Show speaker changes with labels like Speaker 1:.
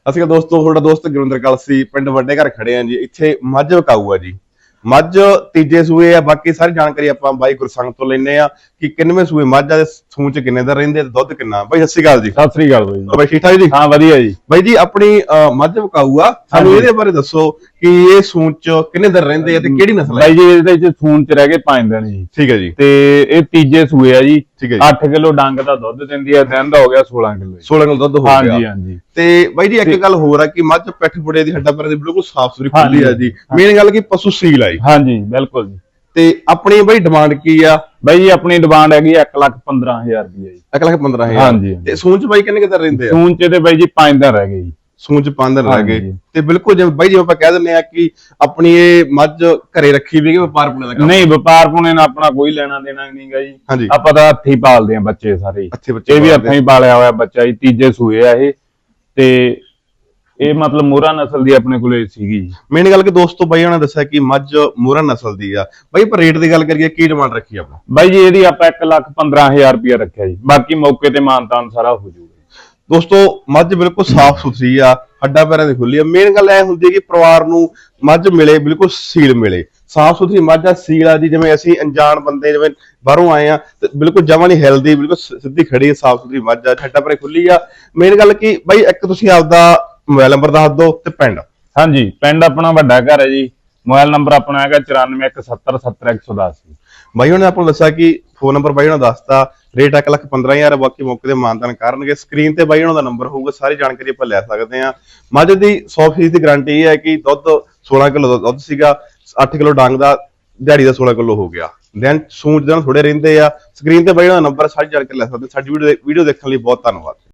Speaker 1: ਅਸੀਂ ਦੋਸਤੋ ਤੁਹਾਡਾ ਦੋਸਤ ਗੁਰਿੰਦਰ ਕਲਸੀ ਪਿੰਡ ਵੱਡੇ ਘਰ ਖੜੇ ਆਂ ਜੀ। ਇੱਥੇ ਮੱਝ ਵਿਕਾਊ ਆ ਜੀ। ਮੱਝ ਤੀਜੇ ਸੂਏ ਆ। ਬਾਕੀ ਸਾਰੀ ਜਾਣਕਾਰੀ ਆਪਾਂ ਬਾਈ ਗੁਰਸੰਗ ਤੋਂ ਲੈਨੇ ਆ ਕਿ ਕਿੰਨਵੇਂ ਸੂਏ ਮੱਝ ਆ, ਸੂਣ ਚ ਕਿੰਨੇ ਦਿਨ ਰਹਿੰਦੇ, ਦੁੱਧ ਕਿੰਨਾ। ਬਾਈ ਸਤਿ ਸ਼੍ਰੀ ਅਕਾਲ ਜੀ।
Speaker 2: ਸਤਿ ਸ੍ਰੀ ਅਕਾਲ ਬਾਈ।
Speaker 1: ਬਾਈ ਠੀਕ ਠਾਕ ਜੀ?
Speaker 2: ਹਾਂ ਵਧੀਆ ਜੀ।
Speaker 1: ਬਾਈ ਜੀ ਆਪਣੀ ਮੱਝ ਵਿਕਾਊ ਆ, ਸਾਨੂੰ ਇਹਦੇ ਬਾਰੇ ਦੱਸੋ ਕਿ ਇਹ ਸੂਣ ਚ ਕਿੰਨੇ ਦਿਨ ਰਹਿੰਦੇ ਆ ਤੇ ਕਿਹੜੀ ਨਸਲ ਹੈ?
Speaker 2: ਬਾਈ ਜੀ ਇਹਦੇ ਵਿੱਚ ਸੂਣ ਚ ਰਹਿ ਗਏ 5 ਦਿਨ ਜੀ।
Speaker 1: ਠੀਕ ਹੈ ਜੀ।
Speaker 2: ਤੇ ਇਹ ਤੀਜੇ ਸੂਏ ਆ ਜੀ।
Speaker 1: ਠੀਕ ਹੈ ਜੀ।
Speaker 2: 8 ਕਿਲੋ ਡੰਗ ਦਾ ਦੁੱਧ ਦਿੰਦੀ ਆ, ਦਿਨ ਦਾ ਹੋ ਗਿਆ 16 ਕਿਲੋ।
Speaker 1: 16 ਕਿਲੋ ਦੁੱਧ ਹੋ ਗਿਆ।
Speaker 2: ਹਾਂਜੀ ਹਾਂਜੀ।
Speaker 1: ਤੇ ਬਾਈ ਜੀ ਇੱਕ ਗੱਲ ਹੋਰ ਆ ਕਿ ਮੱਝ ਪਿੱਠ ਪੁੜੇ ਦੀ ਹੱਡਾਂ ਪੈਰਾਂ ਦੀ ਬਿਲਕੁਲ ਸਾਫ਼ ਸੁਥਰੀ ਖੁੱਲੀ ਆ ਜੀ। ਮੇਨ ਗੱਲ ਕਿ ਪਸ਼ੂ ਸੀਲ ਆ ਜੀ।
Speaker 2: ਹਾਂਜੀ ਬਿਲਕੁਲ ਜੀ।
Speaker 1: ਤੇ ਆਪਣੀ ਬਾਈ ਡਿਮਾਂਡ ਕੀ ਆ?
Speaker 2: ਬਾਈ ਜੀ ਆਪਣੀ ਡਿਮਾਂਡ ਹੈਗੀ 1,15,000 ਰੁਪਏ ਜੀ।
Speaker 1: 1,15,000।
Speaker 2: ਹਾਂਜੀ।
Speaker 1: ਤੇ ਸੂਣ ਚ ਬਾਈ ਕਿੰਨੇ ਕਿਤੇ ਰਹਿੰਦੇ ਆ?
Speaker 2: ਸੂਣ ਚ ਤੇ ਬਾਈ ਜੀ 5 ਦਿਨ ਰਹਿ ਗਏ ਜੀ।
Speaker 1: ਸੂਣ ਚ 5 ਦਿਨ ਰਹਿ ਗਏ। ਤੇ ਬਿਲਕੁਲ ਜਿਵੇਂ ਬਾਈ ਜੀ ਆਪਾਂ ਕਹਿ ਦਿੰਦੇ ਆ ਕਿ ਆਪਣੀ ਇਹ ਮੱਝ ਘਰੇ ਰੱਖੀ ਵੀ ਕਿ ਵਪਾਰ ਪੁਣੇ ਦਾ ਕੰਮ?
Speaker 2: ਨਹੀਂ, ਵਪਾਰ ਪੁਣੇ ਨਾਲ ਆਪਣਾ ਕੋਈ ਲੈਣਾ ਦੇਣਾ ਨਹੀਂਗਾ ਜੀ।
Speaker 1: ਹਾਂਜੀ।
Speaker 2: ਆਪਾਂ ਤਾਂ ਹੱਥੀਂ ਪਾਲਦੇ ਆ ਬੱਚੇ ਸਾਰੇ।
Speaker 1: ਅੱਛੇ ਬੱਚੇ
Speaker 2: ਇਹ ਵੀ ਹੱਥੀਂ ਹੀ ਪਾਲਿਆ ਹੋਇਆ ਬੱਚਾ ਜੀ। ਤੀਜੇ ਸੂਏ ਆ ਇਹ। ਤੇ ਇਹ ਮਤਲਬ ਮੋਹਰਾ ਨਸਲ ਦੀ ਆਪਣੇ ਕੋਲੇ ਸੀਗੀ ਜੀ।
Speaker 1: ਮੇਨ ਗੱਲ ਕਿ ਦੋਸਤੋ ਬਾਈ ਉਹਨਾਂ ਨੇ ਦੱਸਿਆ ਕਿ ਮੱਝ ਮੋਹਰਾ ਨਸਲ ਦੀ ਆ। ਬਾਈ ਪਰ ਰੇਟ ਦੀ ਗੱਲ ਕਰੀਏ ਕੀ ਡਿਮਾਂਡ ਰੱਖੀ ਆਪਾਂ?
Speaker 2: ਬਾਈ ਜੀ ਇਹਦੀ ਆਪਾਂ 1,15,000 ਰੁਪਏ ਰੱਖਿਆ ਜੀ। ਬਾਕੀ ਮੌਕੇ ਤੇ ਮਾਨਤਾਨ ਸਾਰਾ ਹੋ ਜਾਊਗਾ।
Speaker 1: ਦੋਸਤੋ ਮੱਝ ਬਿਲਕੁਲ ਸਾਫ਼ ਸੁਥਰੀ ਆ, ਹੱਡਾਂ ਪੈਰਾਂ ਦੀ ਖੁੱਲੀ ਆ। ਮੇਨ ਗੱਲ ਇਹ ਹੁੰਦੀ ਹੈ ਕਿ ਪਰਿਵਾਰ ਨੂੰ ਮੱਝ ਮਿਲੇ, ਬਿਲਕੁਲ ਸੀਲ ਮਿਲੇ, ਸਾਫ਼ ਸੁਥਰੀ ਮੱਝ ਆ, ਸੀਲ ਆ ਜੀ। ਜਿਵੇਂ ਅਸੀਂ ਅਣਜਾਣ ਬੰਦੇ ਜਿਵੇਂ ਬਾਹਰੋਂ ਆਏ ਆ ਤੇ ਬਿਲਕੁਲ ਜਮਾਂ ਨਹੀਂ ਹਿਲਦੀ, ਬਿਲਕੁਲ ਸਿੱਧੀ ਖੜੀ ਸਾਫ਼ ਸੁਥਰੀ ਮੱਝ ਆ, ਹੱਡਾਂ ਪੈਰਾਂ ਖੁੱਲੀ ਆ। ਮੇਨ ਗੱਲ ਕਿ ਬਾਈ ਇੱਕ ਤੁਸੀਂ ਆਪਦਾ ਮੋਬਾਈਲ ਨੰਬਰ ਦੱਸ ਦਿਓ ਤੇ ਪਿੰਡ।
Speaker 2: ਹਾਂਜੀ, ਪਿੰਡ ਆਪਣਾ ਵੱਡਾ ਘਰ ਹੈ ਜੀ। ਮੋਬਾਈਲ ਨੰਬਰ ਆਪਣਾ ਹੈਗਾ 9417070110।
Speaker 1: ਬਾਈ ਉਹਨੇ ਆਪਾਂ ਨੂੰ ਦੱਸਿਆ ਕਿ ਫੋਨ ਨੰਬਰ ਬਾਈ ਉਹਨਾਂ ਦੱਸਤਾ, ਰੇਟ 1,15,000। ਬਾਕੀ ਮੌਕੇ ਤੇ ਮਾਨਤਾਨ ਕਰਨਗੇ। ਸਕਰੀਨ ਤੇ ਬਾਈ ਉਹਨਾਂ ਦਾ ਨੰਬਰ ਹੋਊਗਾ, ਸਾਰੀ ਜਾਣਕਾਰੀ ਆਪਾਂ ਲੈ ਸਕਦੇ ਆ। ਮੱਝ ਦੀ 100% ਦੀ ਗਾਰੰਟੀ ਇਹ ਹੈ ਕਿ ਦੁੱਧ 16 ਕਿਲੋ ਦੁੱਧ ਸੀਗਾ, 8 ਕਿਲੋ ਡੰਗ ਦਾ, ਦਿਹਾੜੀ ਦਾ 16 ਕਿਲੋ ਹੋ ਗਿਆ। ਦਿਨ ਸੂਣ ਦਿਨ ਥੋੜੇ ਰਹਿੰਦੇ ਆ। ਸਕਰੀਨ ਤੇ ਬਾਈ ਉਹਨਾਂ ਦਾ ਨੰਬਰ, ਸਾਰੀ ਜਾਣਕਾਰੀ ਲੈ ਸਕਦੇ। ਸਾਡੀ ਵੀਡੀਓ ਦੇਖਣ ਲਈ ਬਹੁਤ ਧੰਨਵਾਦ।